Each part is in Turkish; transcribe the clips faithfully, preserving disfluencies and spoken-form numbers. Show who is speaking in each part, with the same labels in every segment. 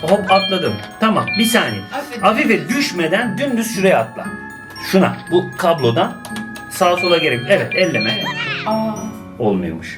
Speaker 1: hop atladım. Tamam bir saniye.
Speaker 2: Afife.
Speaker 1: Afife düşmeden dümdüz şuraya atla. Şuna bu kablodan sağa sola gerek. Evet elleme.
Speaker 2: Evet. Aa.
Speaker 1: Olmuyormuş.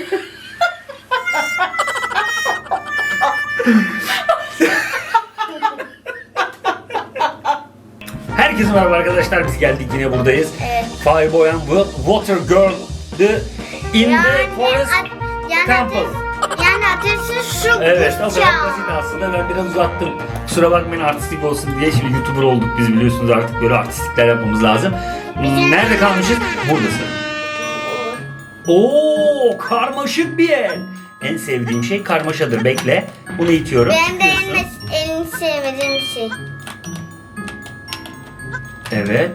Speaker 1: Herkese merhaba arkadaşlar, biz geldik yine buradayız.
Speaker 3: Evet.
Speaker 1: Fireboy and Water Girl the in
Speaker 3: Yani,
Speaker 1: the forest
Speaker 3: a- yani
Speaker 1: temple.
Speaker 3: ateşi, yani ateşi şu
Speaker 1: Evet, o kadar
Speaker 3: kuşağı.
Speaker 1: basit aslında. Ben biraz uzattım. Kusura bakmayın, artistik olsun diye. Şimdi YouTuber olduk biz, biliyorsunuz, artık böyle artistikler yapmamız lazım. Hmm, Nerede kalmışız? Buradasın. Oo, karmaşık bir el. En sevdiğim şey karmaşadır. Bekle. Bunu itiyorum.
Speaker 3: Benim de
Speaker 1: Çıkıyorsun.
Speaker 3: en, en sevmediğim şey.
Speaker 1: Evet.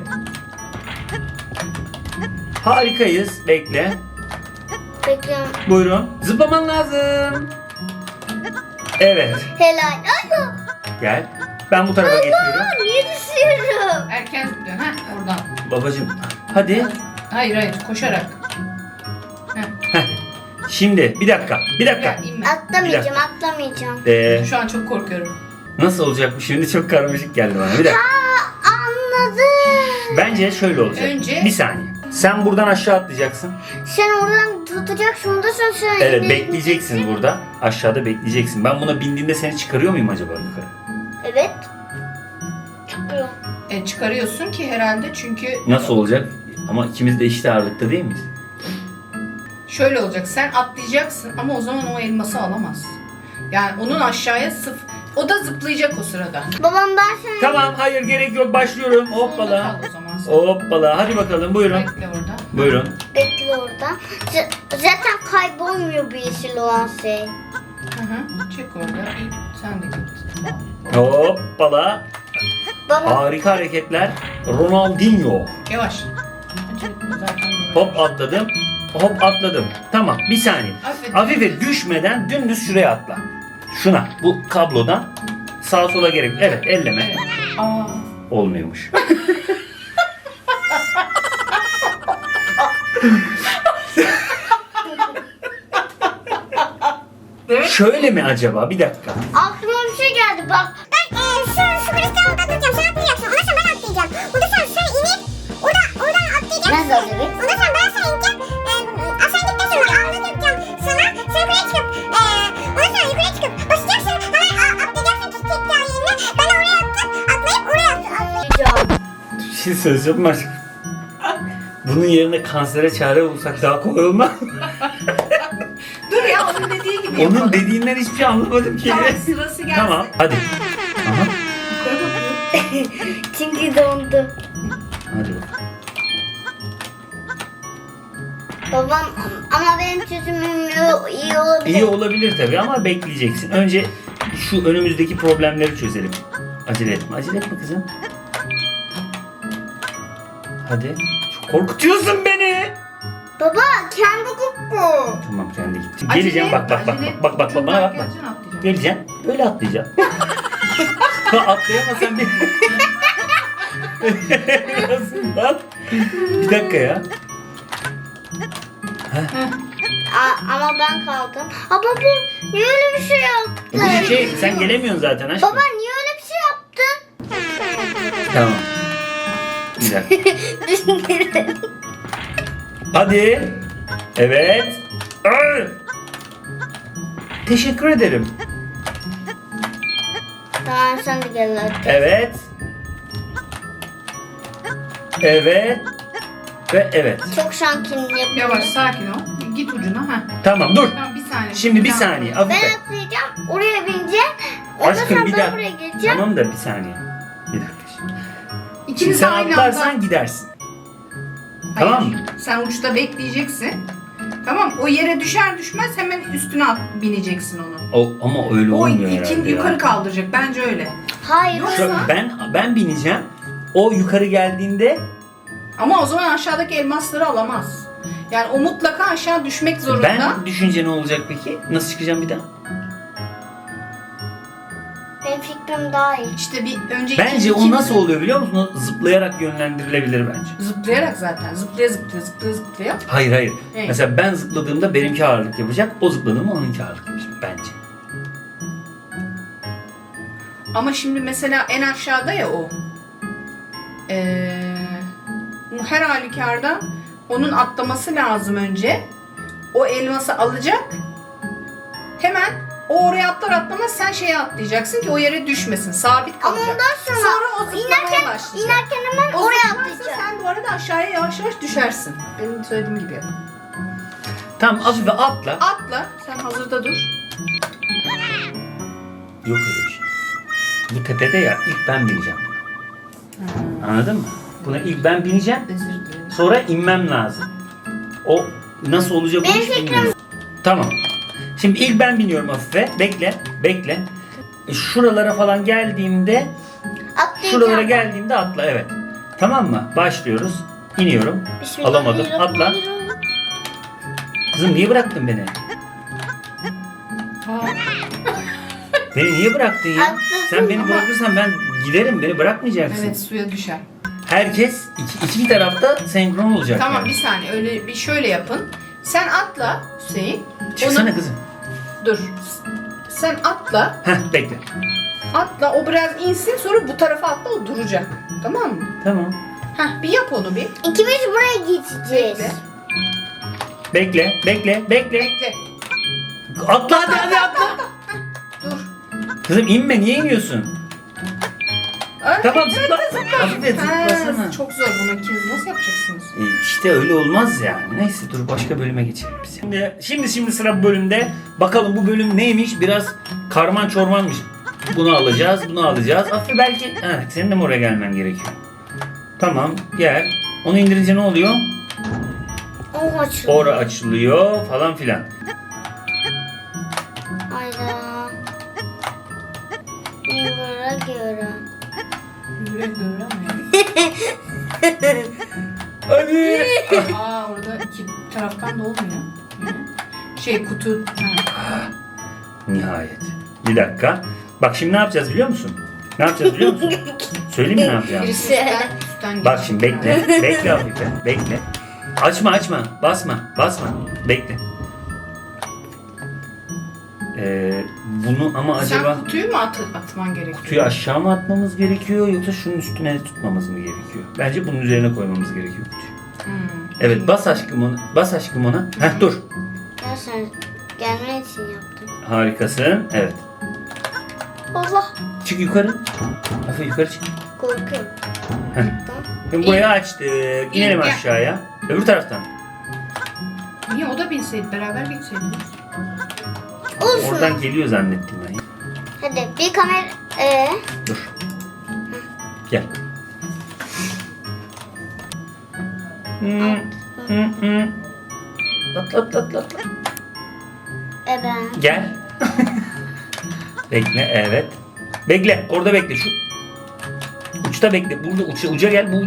Speaker 1: Harikayız. Bekle.
Speaker 3: Bekliyorum.
Speaker 1: Buyurun. Zıplaman lazım. Evet.
Speaker 3: Helal. Ay,
Speaker 1: Gel. Ben bu tarafa geçiyorum.
Speaker 3: Aa, niye düşüyorum?
Speaker 2: Erken zıplıyorsun. Ha oradan.
Speaker 1: Babacım. Hadi.
Speaker 2: Hayır hayır koşarak. Heh.
Speaker 1: Heh. Şimdi bir dakika. Bir dakika.
Speaker 2: Gel inme.
Speaker 1: Bir
Speaker 3: Atlamayacağım,
Speaker 1: dakika.
Speaker 3: atlamayacağım.
Speaker 1: Ee,
Speaker 2: Şu an çok korkuyorum.
Speaker 1: nasıl olacak bu şimdi? Çok karmaşık geldi bana. Bir dakika.
Speaker 3: Aa, anladım.
Speaker 1: Bence şöyle olacak.
Speaker 2: Önce-
Speaker 1: Bir saniye. Sen buradan aşağı atlayacaksın.
Speaker 3: Sen oradan tutacaksın, ondasın sen.
Speaker 1: Evet,
Speaker 3: yine
Speaker 1: bekleyeceksin
Speaker 3: gideceksin.
Speaker 1: burada. Aşağıda bekleyeceksin. Ben buna bindiğinde seni çıkarıyor muyum acaba yukarı?
Speaker 3: Evet. Çıkıyor.
Speaker 2: E, çıkarıyorsun ki herhalde çünkü
Speaker 1: Nasıl olacak? Ama ikimiz de eşit ağırlıkta değil miyiz?
Speaker 2: şöyle olacak. Sen atlayacaksın ama o zaman o elması alamaz. Yani onun aşağıya sıf. O da zıplayacak o sırada.
Speaker 3: Babam ben seni...
Speaker 1: Tamam, hayır gerek yok. Başlıyorum.
Speaker 2: Sonunda
Speaker 1: Hoppala.
Speaker 2: kal o zaman sen.
Speaker 1: Hoppala. Hadi bakalım, buyurun.
Speaker 2: Bekle orada.
Speaker 1: Buyurun.
Speaker 3: Bekle orada. Z- zaten kaybolmuyor bir yeşil olan şey.
Speaker 2: Hı hı. Çek orada. İyi. Sen de git.
Speaker 1: Hoppala.
Speaker 3: Baba
Speaker 1: Harika hareketler. Ronaldinho.
Speaker 2: Yavaş. Acele etme, zaten böyle.
Speaker 1: Hop atladım. Hop atladım. Tamam bir saniye.
Speaker 2: Afife.
Speaker 1: Afife düşmeden dümdüz şuraya atla. Şuna bu kablodan sağa sola gerek. Evet elleme.
Speaker 2: Evet. Aa.
Speaker 1: Olmuyormuş.
Speaker 2: Evet.
Speaker 1: Şöyle mi acaba? Bir dakika.
Speaker 3: aklıma bir şey geldi bak.
Speaker 4: Ben e, şu, şu kristalda atlayacağım. Sen atlayacaksın. Ondan sonra ben atlayacağım. Ondan sonra sen inip oradan, oradan atlayacaksın.
Speaker 3: Nasıl olacak?
Speaker 4: Ondan sonra ben sana ineceğim. E, aşağı gittikten sonra alnını yapacağım sana. Sen yukarıya çıkıp, e, ondan sonra yukarıya çıkıp basacaksın. Hemen a, atlayacaksın çiçekler yerine. Ben oraya attım. Atlayıp oraya atlayacağım.
Speaker 1: Bir şey söyleyeceğim mi aşkım? Bunun yerine kansere çare bulsak daha kolay olmaz mı?
Speaker 2: Dur ya onun dediği gibi
Speaker 1: Onun
Speaker 2: yapalım.
Speaker 1: dediğinden hiçbir şey anlamadım ki.
Speaker 2: Tamam sırası gelsin.
Speaker 1: Tamam hadi. Aha.
Speaker 2: Yukarı bakıyor.
Speaker 3: Çünkü dondu.
Speaker 1: Hadi bakalım.
Speaker 3: Babam ama benim çözümüm yo- iyi olabilir.
Speaker 1: İyi olabilir tabii ama bekleyeceksin. Önce şu önümüzdeki problemleri çözelim. Acele etme. Acele etme kızım. Hadi. Çok korkutuyorsun beni.
Speaker 3: Baba kendi gitti.
Speaker 1: Tamam kendi gitti.
Speaker 2: Acele
Speaker 1: Geleceğim bak
Speaker 2: etme,
Speaker 1: bak bak
Speaker 2: acele
Speaker 1: bak bak bak
Speaker 2: etme.
Speaker 1: bana bak bak.
Speaker 2: Geleceksin, atlayacaksın.
Speaker 1: Geleceğim. Böyle atlayacağım. Atlayamazsam bir... Nasıl? Bir dakika ya.
Speaker 3: Aa, ama ben kaldım. Aa baba niye öyle bir şey yaptın?
Speaker 1: Bu şey sen gelemiyorsun zaten aşkım.
Speaker 3: Baba niye öyle bir şey yaptın?
Speaker 1: Tamam. Bir dakika. Hadi. Evet. Ay! Teşekkür ederim.
Speaker 3: Tamam sen de gel hadi.
Speaker 1: Evet. Evet. Ve evet.
Speaker 3: Çok şankini yapıyorum.
Speaker 2: Yavaş sakin ol. Git ucuna. Ha.
Speaker 1: Tamam dur.
Speaker 2: Tamam bir saniye.
Speaker 1: Şimdi bir
Speaker 2: dakika.
Speaker 1: saniye.
Speaker 3: Ben
Speaker 1: Afife.
Speaker 3: atlayacağım. Oraya bineceğim. Ondan
Speaker 1: Aşkım
Speaker 3: sonra
Speaker 1: bir
Speaker 3: ben
Speaker 1: dakika.
Speaker 3: buraya geleceğim.
Speaker 1: Tamam da bir saniye. Bir dakika şimdi. Şimdi
Speaker 2: İkiniz
Speaker 1: sen
Speaker 2: aynı
Speaker 1: atlarsan
Speaker 2: anda.
Speaker 1: gidersin.
Speaker 2: Hayır,
Speaker 1: Tamam mı?
Speaker 2: Sen uçta bekleyeceksin. Tamam o yere düşer düşmez hemen üstüne at, bineceksin onu.
Speaker 1: O, ama öyle
Speaker 2: O
Speaker 1: olmuyor herhalde
Speaker 2: ikinci
Speaker 1: ya.
Speaker 2: yukarı kaldıracak bence öyle.
Speaker 3: Hayır.
Speaker 2: Yok.
Speaker 1: Şu- ben ben bineceğim. O yukarı geldiğinde
Speaker 2: Ama o zaman aşağıdaki elmasları alamaz. Yani o mutlaka aşağı düşmek zorunda.
Speaker 1: ben düşünce ne olacak peki? Nasıl çıkacağım bir daha?
Speaker 3: Benim fikrim daha iyi.
Speaker 2: İşte bir önceki
Speaker 1: Bence o
Speaker 2: ikimiz-
Speaker 1: nasıl oluyor biliyor musun? O zıplayarak yönlendirilebilir bence.
Speaker 2: Zıplayarak zaten. Zıplaya zıplaya zıplaya zıplaya.
Speaker 1: Hayır hayır.
Speaker 2: Evet.
Speaker 1: Mesela ben zıpladığımda benimki ağırlık yapacak. O zıpladığımda onunki ağırlık yapacak bence.
Speaker 2: Ama şimdi mesela en aşağıda ya o. Ee, her halükarda onun atlaması lazım önce. O elması alacak. Hemen o oraya atlar atlamaz sen şeye atlayacaksın ki o yere düşmesin. Sabit
Speaker 3: Ama
Speaker 2: kalacak.
Speaker 3: ondan sonra,
Speaker 2: Sonra o zıplamaya
Speaker 3: inerken,
Speaker 2: başlayacak.
Speaker 3: inerken hemen
Speaker 2: O
Speaker 3: oraya
Speaker 2: zıplarsa
Speaker 3: atlayacağım.
Speaker 2: sen bu arada aşağıya yavaş yavaş düşersin. Benim söylediğim gibi yap.
Speaker 1: Tamam Afife atla.
Speaker 2: Atla. Sen hazırda dur.
Speaker 1: Yok öyle bir şey. Bu tepede ya ilk ben bineceğim. Anladın mı? Buna ilk ben bineceğim.
Speaker 2: Özür dilerim.
Speaker 1: Sonra inmem lazım. O nasıl olacak bu
Speaker 3: Benim
Speaker 1: hiç
Speaker 3: fikrim-
Speaker 1: bilmiyorum. Tamam. Şimdi ilk ben biniyorum Afife. Bekle. Bekle. E, Şuralara falan geldiğimde
Speaker 3: Atlayacağım.
Speaker 1: şuralara geldiğimde atla evet. Tamam mı? Başlıyoruz. İniyorum. Alamadım. Atla. Kızım niye bıraktın beni?
Speaker 2: Ha.
Speaker 1: Beni niye bıraktın ya?
Speaker 3: Atlasın
Speaker 1: Sen beni
Speaker 2: ama-
Speaker 1: bırakırsan ben giderim. Beni bırakmayacaksın.
Speaker 2: Evet suya düşer.
Speaker 1: Herkes iki, iki tarafta senkron olacak.
Speaker 2: Tamam
Speaker 1: yani.
Speaker 2: bir saniye öyle bir şöyle yapın. Sen atla Hüseyin.
Speaker 1: Çıksana
Speaker 2: Onu-
Speaker 1: kızım.
Speaker 2: Dur. Sen atla.
Speaker 1: Heh bekle.
Speaker 2: Atla o biraz insin sonra bu tarafa atla o duracak. Tamam mı?
Speaker 1: Tamam.
Speaker 2: Heh bir yap onu bir.
Speaker 3: İkimiz buraya geçeceğiz.
Speaker 2: Bekle.
Speaker 1: Bekle, bekle, bekle.
Speaker 2: Bekle.
Speaker 1: Atla hadi hadi atla.
Speaker 2: Dur.
Speaker 1: Kızım inme niye iniyorsun?
Speaker 2: Ay,
Speaker 1: Tamam
Speaker 2: evet,
Speaker 1: zıpla.
Speaker 2: zıpla.
Speaker 1: Hafif
Speaker 2: Ha,
Speaker 1: zıplasana.
Speaker 2: çok zor bunu ikiniz nasıl yapacaksınız?
Speaker 1: E, İşte öyle olmaz yani. Neyse dur başka bölüme geçelim biz. Şimdi şimdi, şimdi sıra bu bölümde. Bakalım bu bölüm neymiş? Biraz karman çormanmış. Bunu alacağız, bunu alacağız. Aslında belki evet, senin de mi oraya gelmen gerekiyor? Tamam gel. Onu indirince ne oluyor?
Speaker 3: Oh açılıyor.
Speaker 1: Ora açılıyor falan filan.
Speaker 3: Hayda. Yuvara göre.
Speaker 2: Güle güle ama.
Speaker 1: Hadi.
Speaker 2: Aa orada iki taraftan da olmuyor. Şey kutu. Ha.
Speaker 1: Nihayet. Bir dakika. Bak şimdi ne yapacağız biliyor musun? Ne yapacağız biliyor musun? Söyleyeyim mi ne yapacağız?
Speaker 2: Birisi üstten, üstten
Speaker 1: Bak
Speaker 2: geçecek.
Speaker 1: şimdi bekle. Bekle Afife. Bekle. Açma açma. Basma. Basma. Bekle. Ee, bunu ama acaba
Speaker 2: Sen kutuyu mu at atman gerekiyor?
Speaker 1: kutuyu aşağı mı atmamız gerekiyor yoksa şunun üstüne tutmamız mı gerekiyor? Bence bunun üzerine koymamız gerekiyor kutuyu.
Speaker 2: Hmm.
Speaker 1: Evet bas aşkım onu. Bas aşkım ona. Heh dur.
Speaker 3: Ya sen gelmen için yaptım.
Speaker 1: Harikasın. Evet.
Speaker 3: Allah.
Speaker 1: Çık yukarı. Afife yukarı çık.
Speaker 3: Korkuyorum.
Speaker 1: Heh. Şimdi burayı açtık. İnelim
Speaker 2: gel.
Speaker 1: aşağıya. Öbür taraftan.
Speaker 2: Niye o da binseydi beraber gitseydiniz?
Speaker 3: Olsun.
Speaker 1: Oradan geliyor zannettim ben.
Speaker 3: Hadi bir kamera. Ee,
Speaker 1: Dur. Gel. Hmm, hmm, hmm. Atla atla atla atla.
Speaker 3: e ben.
Speaker 1: Gel. Bekle evet. Bekle orada bekle şu. Uçta bekle. Burada uça, uca gel bu uç.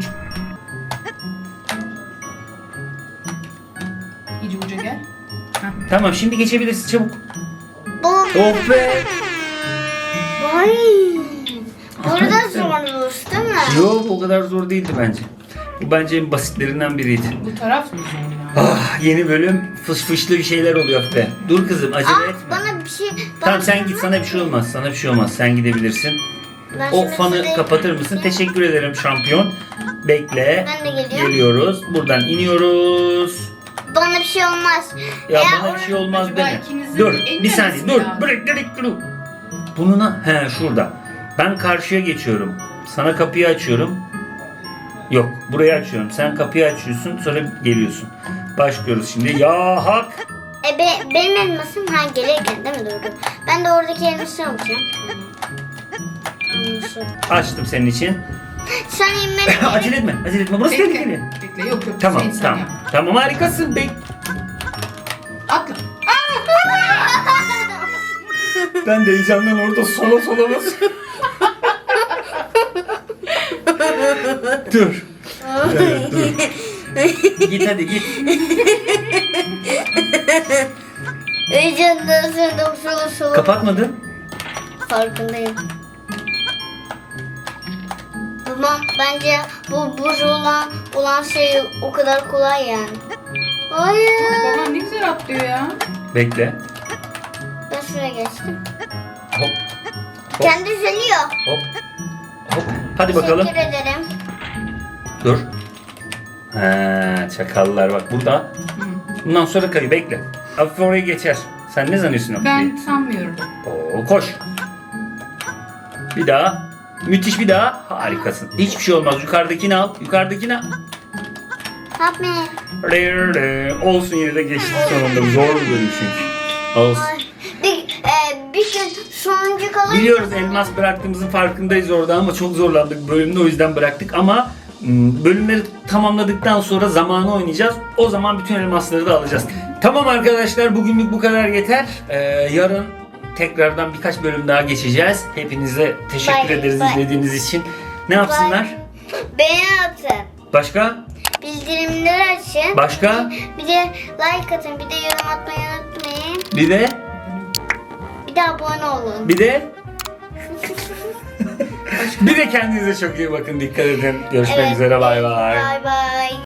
Speaker 2: İyice uca gel. Heh.
Speaker 1: Tamam şimdi geçebilirsin çabuk.
Speaker 3: Bu.
Speaker 1: Oh be.
Speaker 3: Vay. Burada zormuş değil mi?
Speaker 1: Yok o kadar zor değildi bence. Bu bence en basitlerinden biriydi.
Speaker 2: Bu taraf mı zor ya?
Speaker 1: Ah yeni bölüm fış fışlı bir şeyler oluyor be. Dur kızım acele
Speaker 3: Aa,
Speaker 1: etme.
Speaker 3: bana bir şey.
Speaker 1: Tamam
Speaker 3: bana
Speaker 1: sen
Speaker 3: bir
Speaker 1: git sana bir şey olmaz. Sana bir şey olmaz. Sen gidebilirsin.
Speaker 3: Ben
Speaker 1: O
Speaker 3: şimdi
Speaker 1: fanı
Speaker 3: size-
Speaker 1: kapatır mısın? Teşekkür ederim şampiyon. Bekle.
Speaker 3: Ben de geliyorum.
Speaker 1: Geliyoruz. Buradan iniyoruz.
Speaker 3: Bana bir şey olmaz.
Speaker 1: Ya
Speaker 3: Eğer
Speaker 1: bana bir şey olmaz
Speaker 2: acaba
Speaker 1: deme.
Speaker 2: ikinizin
Speaker 1: Dur
Speaker 2: en
Speaker 1: bir saniye
Speaker 2: neresi
Speaker 1: dur.
Speaker 2: ya?
Speaker 1: Bırak bırak dur. Bununla he şurada. Ben karşıya geçiyorum. Sana kapıyı açıyorum. Yok burayı açıyorum. Sen kapıyı açıyorsun sonra geliyorsun. Başlıyoruz şimdi. Ya hak.
Speaker 3: E be, benim elmasım ha gelirken değil mi Durgun? Ben de oradaki elması alacağım. Anlaşıldı.
Speaker 1: Açtım senin için.
Speaker 3: Sen inmen
Speaker 1: acele etme. Acele etme. Burası tehlikeli.
Speaker 2: Bekle. Bekle yok yok.
Speaker 1: Tamam
Speaker 2: Hüseyin, sen
Speaker 1: tamam.
Speaker 2: yap.
Speaker 1: Tamam harikasın. Bek.
Speaker 2: Atla.
Speaker 1: Ben de heyecandan orada sola sola basıyorum. Dur. Evet, dur. Git hadi git.
Speaker 3: Heyecandan sonra solu solu.
Speaker 1: Kapatmadın.
Speaker 3: Farkındayım. Tamam bence bu buz olan olan şey o kadar kolay yani. Hayır.
Speaker 2: Baban ne güzel atlıyor ya.
Speaker 1: Bekle.
Speaker 3: Ben şuraya geçtim.
Speaker 1: Hop.
Speaker 3: Kendi düzeliyor.
Speaker 1: Hop. Hop. Hadi bakalım.
Speaker 3: Teşekkür ederim.
Speaker 1: Dur. Ha, çakallar bak burada. Bundan sonra kayı bekle. Afife oraya geçer. Sen ne zannediyorsun Afife'yi?
Speaker 2: Ben sanmıyorum.
Speaker 1: Oo, koş. Bir daha. Müthiş bir daha. Harikasın. Hiçbir şey olmaz. Yukarıdakini al. Yukarıdakini al.
Speaker 3: Help me.
Speaker 1: Re, re. Olsun yine de geçtik sonunda. Zor bir bölüm çünkü. Olsun.
Speaker 3: Ay, bir, e, bir gün sonuncu kalır.
Speaker 1: Biliyoruz elmas bıraktığımızın farkındayız orada ama çok zorlandık bölümde, o yüzden bıraktık ama m, bölümleri tamamladıktan sonra zamanı oynayacağız. O zaman bütün elmasları da alacağız. Tamam arkadaşlar, bugünlük bu kadar yeter. Ee, yarın tekrardan birkaç bölüm daha geçeceğiz. Hepinize teşekkür
Speaker 3: Bye,
Speaker 1: ederiz
Speaker 3: bye.
Speaker 1: izlediğiniz için. Ne yapsınlar?
Speaker 3: Beğeni atın.
Speaker 1: Başka?
Speaker 3: Bildirimleri açın.
Speaker 1: Başka?
Speaker 3: Bir de like atın. Bir de yorum atmayı unutmayın.
Speaker 1: Bir de?
Speaker 3: Bir de abone olun.
Speaker 1: Bir de? Bir de kendinize çok iyi bakın. Dikkat edin. Görüşmek
Speaker 3: Evet.
Speaker 1: üzere. Bay bay.
Speaker 3: Bay bay.